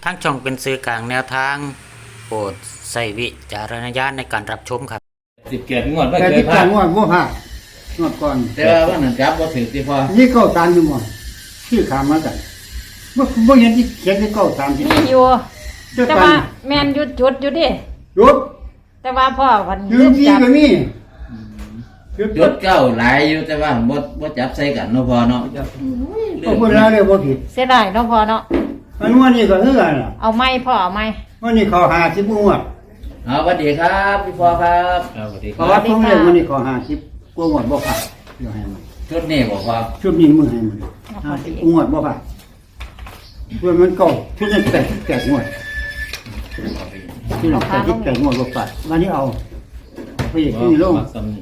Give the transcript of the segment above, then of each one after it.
ทั้งช่องเป็นสื่อกลางแนวทางโปรดใส่วิจารณญาณในการรับชมครับ 17งวดไม่แต่เคยที่พลาต่าดงว่าบ่พลาดงวดก่อนแต่ว่านั่นจับบ่ถึงที่พอนี่เก้าตามอยู่หมดที่ขามมากันบ่เห็นที่เขียนที่เก้าตามที่มีอยู่เจ้าแต่ตัว่าน แม่นหยุดจุดอยู่ดิยุดแต่ว่าพ่อวันยืลืนมที่จับก็มียุดจุดเก้าหลายอยู่แต่ว่าบ่จับใส่กันเนาะพอเนาะพอพูดแล้วเลยบ่ผิดเสียดายเนาะพ่อเนาะอันวันนี้ก็คือกันล่ะเอาไม้พ่อเอาไม้วันนี้เขา50งวดเอาสวัสดีครับพี่พอครับสวัสดีคเพราะรัว่าบผมเรียกวันนี้เขา50กว่างวดบ่พลาดเดี๋ยวให้มันชุดนี้บอกว่าชุดนี้มือให้มัน50งวดบ่พลาดเพื่อมันเก่าชุดนั้น8งวดชุดนั้น8งวดบ่พลาดวันนี้เอาไปอีกที่ลงมักสำนี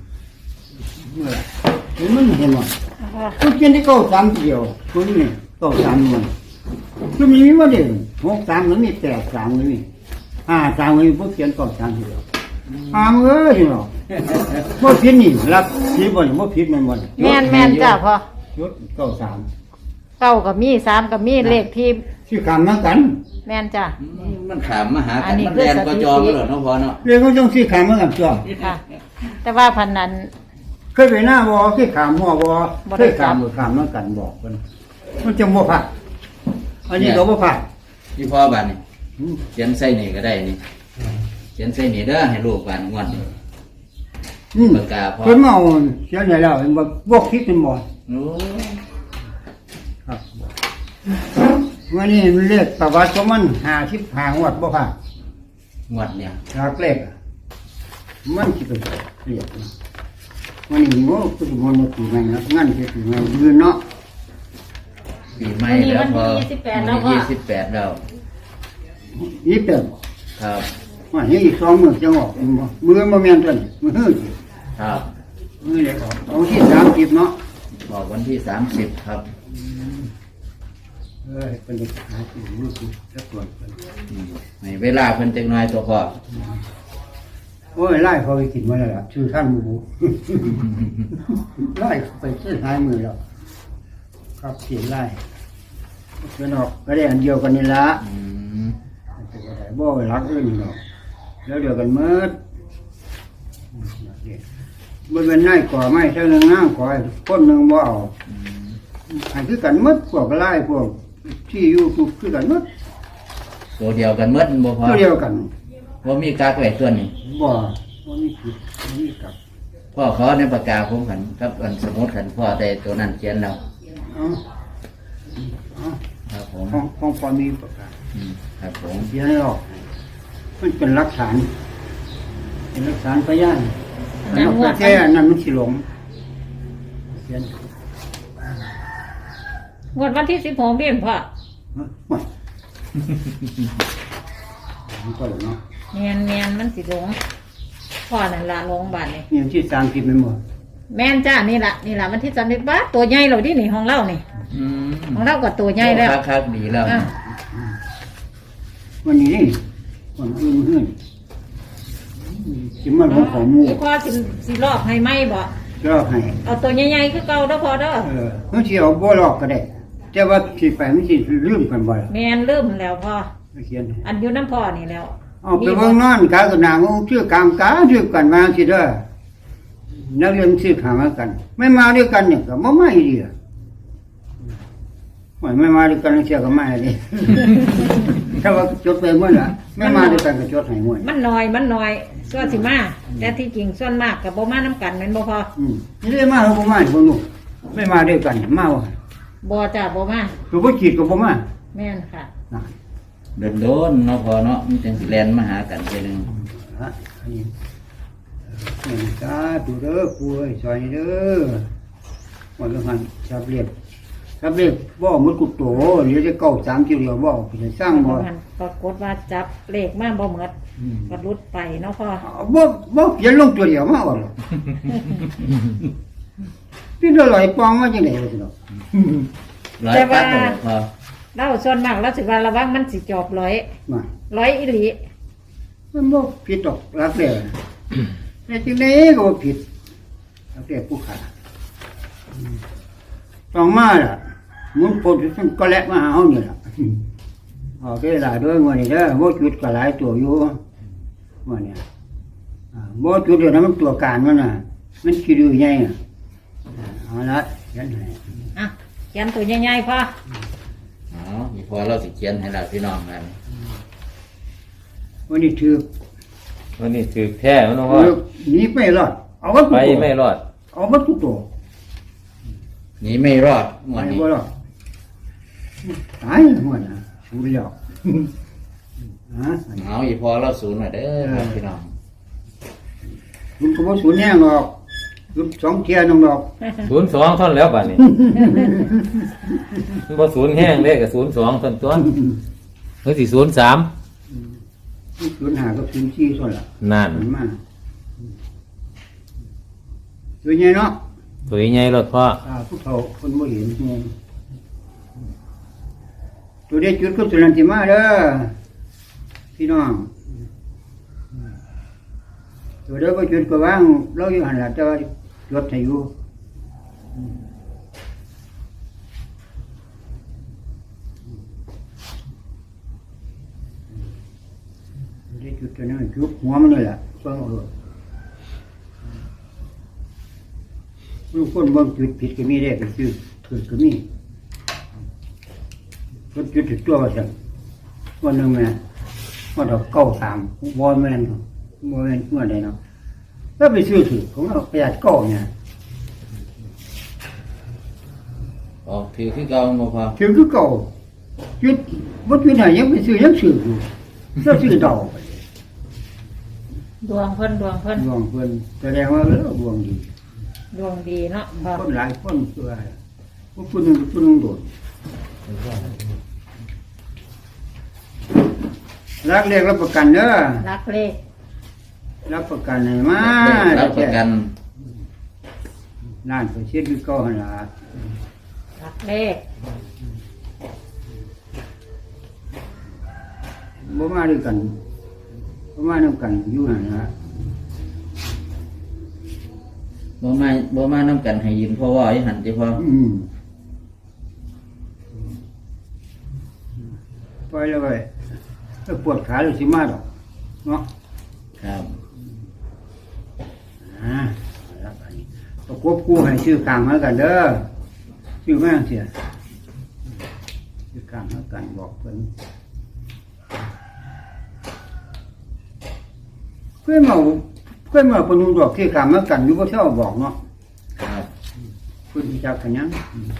เห็นมันเห็นมั้ยทุกเย็นที่เก้าสามเดียวตัวนี้เก้าสามมันตัวนี้มีว่าเด่น63มันมี83มันมี53มันมีพวกเขียนเก้าสามเดียวเอ้ยเนาะบ่ผิดนี่รับผิดบ่นี่บ่ผิดแม่นบ่แม่นแม่นจ้าพ่อชุดเก้าสามเก้ากับมีสามกับมีเลขที่ชื่อคำนั้นกันแม่นจ้ามันขามมาหาอักัน นนี้มันคือแลนก็จอมสถิติเหรอเนาะพอเนาะเรียกเขาต้องชื่อคำนั้นกันจ้ะค่ะ แต่ว่าพันนั้นเคยไปหน้าบ่เคยขามหัวบ่บ่เคได้ยจัขามบหรือขามนั้นกันบอกกันมันจะบ่พลาดอันนี้ก็บ่พลาดพี่พอบ้านนี่เขียนใส่นี่ก็ได้นี่เขียนใส่นี่เด้อให้ลูกบ้านงวดนี่ ปากกาพอเพิ่นมาเอาเขียนให้แล้วเห็นบ่คิดเป็นบ่โอ้ครับวันนี้มันเลขประวัติของมัน55งวดบ่พลาดงวดเนี่ยจากเลขอะมันสิเป็นเรียกนะวันนี้โง่คือมันบ่ตีแม่นนะงั้นสิตีแม่นยืนเนาะปีใหม่แล้วพอวันที่28แล้วนี่เติมครับว่าเฮ้ยอีก2มื้อจะออกมือบ่แม่นตัวนี้มือฮื้อครับมือเลยออกเอาที่30เนาะบอกวันที่30ครับเป็นเด็กหาที่มือคือจักตัวเพิ่นให้เวลาเพิ่นจักหน่อยตัวพอโอ้ยไล่เขาไปกินมาแล้วล่ะชื่อท่านหมูไล่ไปซื้อหายมือแล้วครับเสียไล่เพิ่นออกก็ได้อันเดียวกันนี่ละอืมบ่ไปรักอื่นหรอกแล้วเดียวกันเมื่อบ่เป็นนายก่อไม้เท่านึงนางก่อคนหนึงบ่เอาให้คือกันหมดพวกไล่พวกที่อยู่คือกันหมดตัวเดียวกันหมดบ่พอตัวเดียวกันว่ามีกากไว้ตัวนี้บ่มีผิดบ่มีกลับพ่อขอในปากกาผมขันกับอันสมุดขันพ่อได้ตัวนั้นเขียนแล้วเอาเอาครับผมของพอมีประกาศครับผมเสียให้ออกมันเป็นหลักฐานเป็นหลักฐานพยานอันนั้นแค่นั้นมันสิหลงเขียนงวดวันที่16เดือนพ่อว่ามันก็เนาะแม่นแม่นมันสิหลงพ่อนั่นละหลงบาดนี่นี่ที่30มันหมดแม่นจ้านี่ละวันที่30บาทตัวใหญ่เราดินี่ของเรานี่ของเราก็ตัวใหญ่แล้วคักดีแล้วอ่ะวันนี้วันอื่นเฮือนสิมันบ่ของหมู่พ่อสิลอกให้ไหมบ่ก็ให้เอาตัวใหญ่ๆคือเก่าเด้อพ่อเด้อมันสิเอาบ่ลอกก็ได้ แต่ว่าสิไปมันสิลืมกันบ่ล่ะแม่นลืมแล้วพ่อเขียนอันอยู่น้ำพ่อนี่แล้วเอาไปเบิ่งนอนกากับนางชื่อกามกาชื่อกันมาสิเด้อนักเรียนชื่อหามากัน ไม่มาด้วยกันเนี่ยก็บ่มาอีดีอ่ะไม่มาด้วยกันเสียก็มาดิ ถ้าว่าจดไปหมดล่ะไม่มาด้วยกันก็จดให้หมดมันน้อยส่วนสิมาแต่ที่จริงส่วนมากกับบ่มาน้ำกันแม่นบ่พอนี่เลยมาเขาบ่มาบ่รู้ไม่มาด้วยกันมาว่าบ่จ้าบ่มาตัวบ่ขีดก็บ่มาแม่นค่ะนะโดนเนาะพอเนาะมันจังสิแลนมาหากันทีนึงฮะอันนี้สาธุเด้อปู่เอ้ยซอยเด้อว่าแล้วหันชับเรียบบ่หมดกุโตเดี๋ยวจะเก้า3กิโลบ่ไปสร้างบ่มันปรากฏว่าจับเลขมาบ่หมดก็หลุดไปเนาะพ่อบ่เขียนลงตัวเดียวมาว่าหรอกพี่ลอยปองมาจังได๋วะสิเนาะร้อยปัดตัวพอเราส่วนมากเราสิว่าระวังมันสิจอบร้อยมาร้อยอีหลีมันบ่ผิดดอกรักแล้แต่จังได๋ก็บ่ผิดรักแล้ผู้ขาต้องมาล่ะมึงปนซึ่งก็แลกมาหาเฮานี่ล่ะออกได้หลายด้วยวันนี้เด้อโมจุดก็หลายตัวอยู่วันนี้โมจุดเดี๋ยวนั้นมันตัวการมันน่ะมันคิดดูไงเอาละยันให้อ่ะเขียนตัวใหญ่ๆพ่ออ๋อมีพอเราสิเขียนให้เราพี่น้องกันวันนี้ถือวันนี้ถือแท้มันน้องพ่อหนีไม่รอดเอาวัตถุไปตัวไม่รอดเอาวัตถุตัวหนีไม่รอดงวไม่ดนี้บ่รอดตายหัวน่ะสูญแล้วฮะเอาอีพอเราศูนย์หน่อยเด้อครับพี่น้องคุณก็บ่สูญแน่หรอกคุณสองเทียน้องดอก 02ท่อนแล้วบัดนี้ มันบ่ศูนย์แห้งเด้ก็02ท่อนตัวหรือสิ03 สูญหากับสูญชี้ส่วนละนั่นมันมาตัวใหญ่เนาะตัวใหญ่รถพ่อผู้เฒ่าคนบ่เห็นไงตัวได้จุดก็ตัวนั้นสิมาเด้อพี่น้องตัวเด้อก็จุดก็วางเราอยู่หันล่ะแต่ว่าจดให้อยู่ตัวได้จุดตัวนั้นจุดหัวมันนี่แหละฟังเอาเลยลูกคนบางจุดผิดก็มีได้ก็คือถูกก็มีคนจุดถึงตัวว่าสั่งวันหนึ่งแม่ว่าดอกเก้าสามวอนแม่นวอนแม่นเมื่อใดเนาะแล้วไปซื้อถือของเราประหยัดเก้าเนี่ยออกถือคือเก่าบ่พอถือคือเก้าจุดวัดจุดไหนยังไปซื้อยังซื้ออยู่แล้วซื้อดอกดวงเพิ่นดวงเพิ่นดวงเพิ่นแสดงว่าดวงดีดวงดีเนาะพ่อคนหลายคนเชื่อพวกคนหนึ่งคนหนึ่งโดดรักเรียกรับประกันเด้อรักเลขรับประกันให้มารับประกันล้านเปอร์เซ็นต์คือเก่าหั่นล่ะรักเลขบ่มาด้วยกันบ่มานํกันอยู่นั่นล่ะบ่มานํกันให้ยินพ่อว่าอีหันติพ่อปล่อยแล้วไปถ้าปวดขาเลยสิมาดอกเนาะครับแล้วอันนี้ประกบคู่ให้ชื่อกลางมากันเด้อชื่อแม่งเสียชื่อกลางมากันบอกเพิ่นเพื่อนมาปนุดอกที่กลางมากันอยู่บ่เท่าบอกเนาะครับเพิ่นรู้จักกันยัง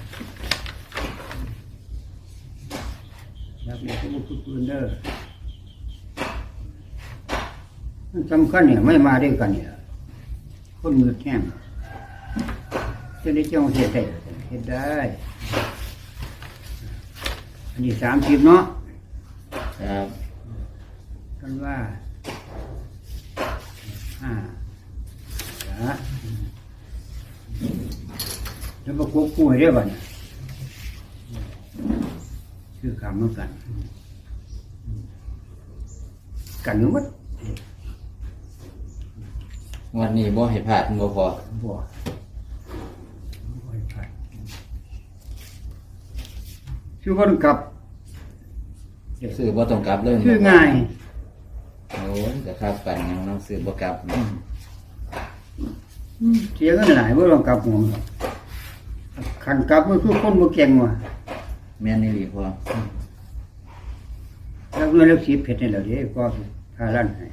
อยากเรียกพวกเพิ่นเด้อมันสำคัญเนี่ยไม่มาด้วยกันเนี่ยคนมือแข็งจะได้เจ้าเสียใจเฮ็ดได้อันนี้30เนาะครับกันว่าละแล้วประกบคู่ให้ได้บ่เนี่ยคือคำเหมือนกันกันหรือมัดวันนี้บ่ให้พลาดบ่พอบ่ให้พลาดชื่อคนกลับซื้อบ่ต้องกลับเลยชื่อง่ายโอ้ยก็ครับกันยังน้องซื้อบ่กลับเสียเงินหลายบ่ต้องกลับหัวมันหรอกคันกลับมันคือคนบ่เก่งว่ะแม่นอี่หลีพ่อแล้วเงินแล้วสิเพชรนี่แหละเด้ก็พาลั่นให้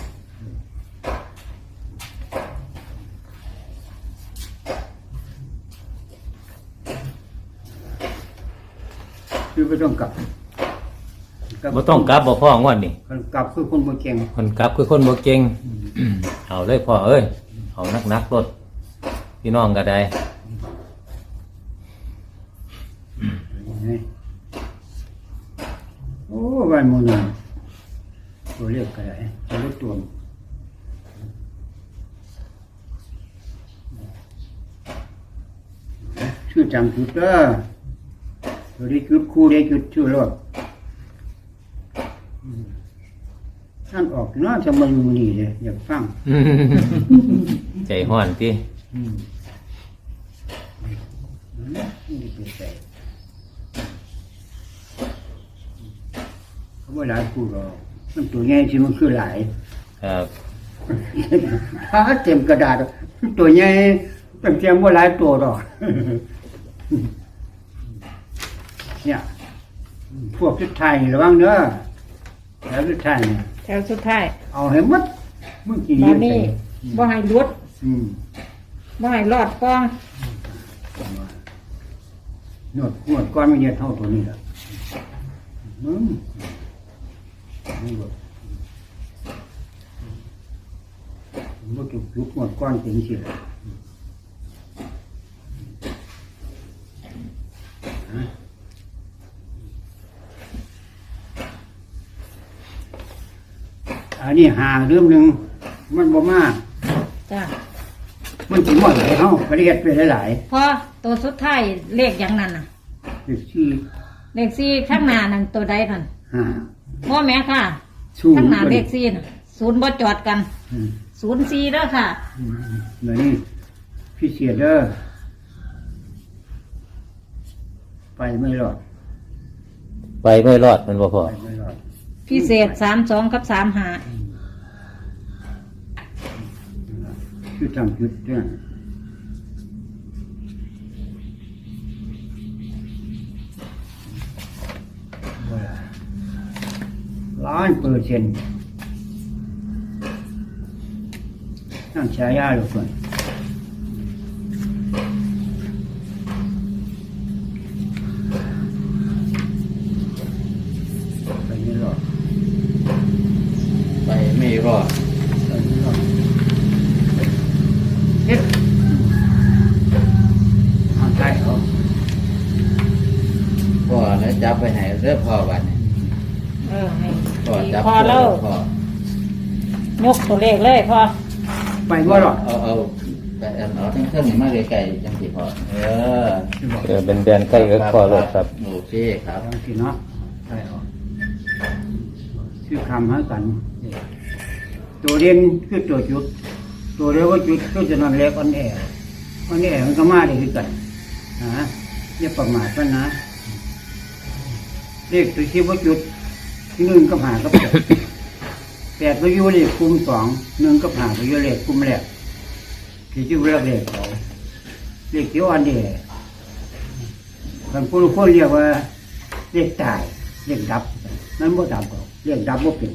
คือบ่ต้องกลับบ่ต้องกลับบ่พ่องวดนี้คันกลับคือคนบ่เก่งคนกลับคือคนบ่เก่ง เอาเลยพ่อเอ้ยเอานักๆรถพี่น้องก็ได้โอ้บ้านหมู่นึงตัวเรียกก็ได้ตัวเล็กตัวชื่อจำจุดเด้อตัวได้จุดคู่ได้จุดชื่อรถท่านออกเนาะจะมาอยู่นี่เลยอยากฟังใจห้อนตินี่เป็นใจว่าหลายคู่หรอกมันตัวใหญ่ที่มันคือหลายครับถ้าเต็มกระดาษตัวใหญ่ตั้งเตรียมว่าหลายตัวหรอกเนี่ยพวกชุดไทยระวังเด้อแล้วชุดไทยเนี่ยแถวสุดท้ายเอาให้หมดมึงกี่ตอนนี้บ่ให้หลุดอืมบ่ให้รอดป้องนวดก้อนไม่เยอะเท่าตัวนี้แหละนี่แบบมันถูกยุบนวดก้อนจริงสิเลยอันนี้หาเรื่องหนึ่งมันบ่มากจ้ะมันถึงหมดเลยเฮาประเทศไปหลายพอตัวสุดท้ายเลขอย่างนั้นน่ะๆคือที่เลขสี่ข้างหน้านั่นตัวใดนั่นหาพ่อแม่ค่ะสู้ข้างหน้าเลขสี่น่ะศูนย์บ่จอดกันอืมศูนย์สี่แล้วค่ะเดี๋ยวนี้พี่เสียเด้อไปไม่รอดไปไม่รอดมันบ่พอไปไม่รอดพิเศษ32กับ35 คือทำจุดเนี่ย100%นั่งฉายาลูกคนไปไม่รอดไปไม่รอดไปไม่รอดเฮ็ดเอาใช่เขาพ่อแล้วจับไปไหนเรื่องพ่อวันนี้ให้พ่อจับพอแล้วพ่อยกตัวเลขเลยพอไปไม่รอดเอาไปเอาทั้งเครื่องนี่มาไกลๆจังสิพ่อจะบอกเป็นแดนใกล้เอิกพอรถครับโอเคครับบางทีเนาะใช่เอาชื่อคำให้กัน ตัวเรียนคือตัวจุด ตัวเรียกว่าจุดก็จะนอนเล็กอ่อนแอมันก็มาได้คือกันนะอย่าประมาทมันนะเลขตัวที่ว่าจุดหนึ่งกับหากับแปดแปดก็อยู่เลขคุมสองหนึ่งกับหาก็อยู่เลขคุมแรกที่ชื่อเรียกเลขเขาเลขที่อ่อนแอบางคนเรียกว่าเลขตายเลขดับนั้นบ่ดับก็เลขดับบ่เป็น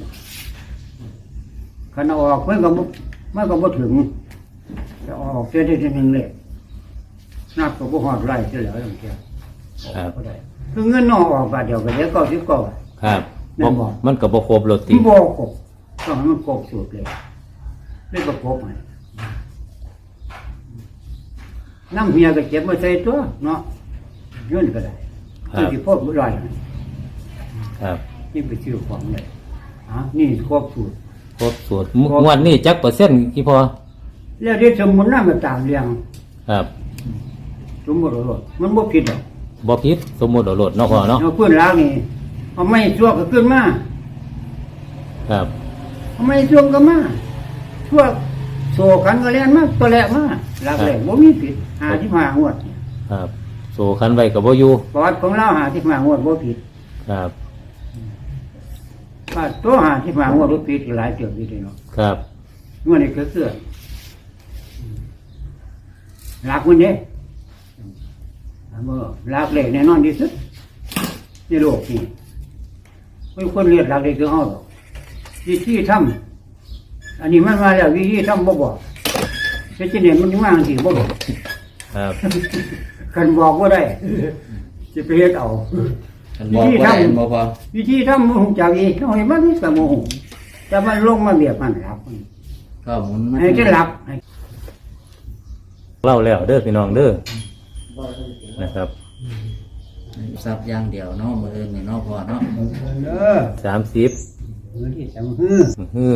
ขันเอาออกมันก็บ่ถึงจะออกเสียได้ทีหนึ่งเลยนับก็บ่หอดไล่เสียแล้วอย่างเงี้ยครับก็ได้คือเงินนอกออกบาทเดียวก็เดี๋ยว90 ครับแม่นบ่มันก็บ่ครบรถติที่บอกกบต้องให้มันกบสุดเลยไม่ก็กบให้น้ำเฮียก็เจ็บมาใส่ตัวเนาะเงินก็ได้คือที่พ่อบุญลอยครับนี่ไปซื้อของเลยนี่ครบสูตรครบสูตรงวดนี้จักเปอร์เซ็นต์กี่พอแล้วที่สมุนน้ำมันตามเรียงครับสมมติว่ามันบ่ผิดหรอกบ่ผิดสมมุติเอารถเนาะพอเนาะเอาพื้นล้างนี่เอาไม้ชั่วก็ขึ้นมาครับเอาไม้ชั่วก็มาชั่วโซขันก็แล่นมาตัวแหลกมาหลักแหลกบ่มีผิด55งวดเนี่ยครับโซคันไว้ก็บ่อยู่ประวัติของเรา55งวดบ่ผิดครับถ้าตัว55งวดบ่ผิดหลายเติบอยู่เด้เนาะครับงวดนี้ก็คือหลักมันเด้หลักแหลกแน่นอนที่สุดในโลกนี้ไม่คนเรียกหลักเลยคือเฮาหรอกวิธีทำอันนี้มันมาแล้ววิธีทำบ่บอกแต่ที่เนี่ยมันมาสิบ่บอกครับคันบอกบ่ได้สิไปเฮ็ดเอามันบอกว่าได้บ่พอวิธีทำบ่ฮู้จักอีกน้อยมันก็บ่ฮู้แต่มันลงมาเบียบมันหลับก็หมุนมาให้จะหลับให้เล่าแล้วเด้อพี่น้องเด้อนะครับซับอย่างเดียวเนาะมืออื่นนี่เนาะพอเนาะเด้อ 30 มื้อที่3ฮือฮือ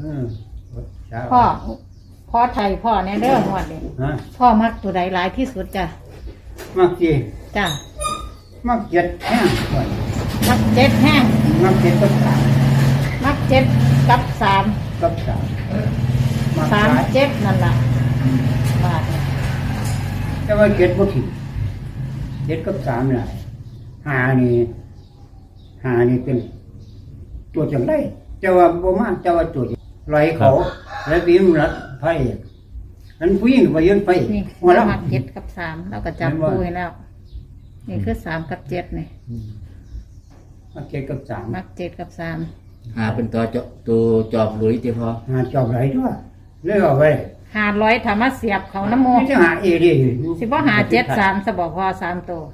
พ่อไทยพ่อแน่เด้อหวดนี่ฮะพ่อมักตัวใดหลายที่สุดจ้ะมักสิจ้ะมักเจ็ดแห้งมัก7แห้งมักเจ็ดกับสามมัก7กับ3 กับสามมักหลาย 3 7นั่นล่ะบาทนี่แต่ว่าเจ็ดบ่ถึงเจ็ดกับสามหลายหานี่เป็นตัวจังได้แต่ว่าบ่มาแต่ว่าตัวไหลเขาแล้วบีมรัดไพ่อันผู้หญิงไปยืนไปนี่หัวเรามัก7กับ3เราก็จับคู่ให้แล้ว นี่คือ3กับ7นี่มาเก็ดกับสามมัก7กับ3 หาเป็นตัวจอบหลุยที่พอหาจอบไหลด้วยเลยเอาไป 500ถ้ามาเสียบเขาน้ำโมไม่ใช่หาเอเดีสิบ่หา73ซะบอกพอ3ตัว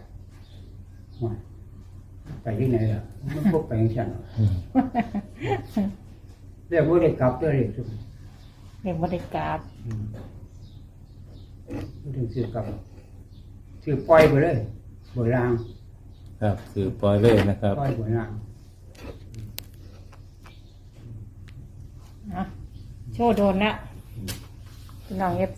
ไปที่ไหนล่ะมันพวกไปอย่างฉันเรียกว่าได้กลับด้วยเรียกทุกเรียกบ่ได้กราบถึงซื้อกลับซื้อปล่อยไปเลยบนรางครับคือปล่อยเลยนะครับปล่อยบนรางโชว์โดนแล้วพี่น้อง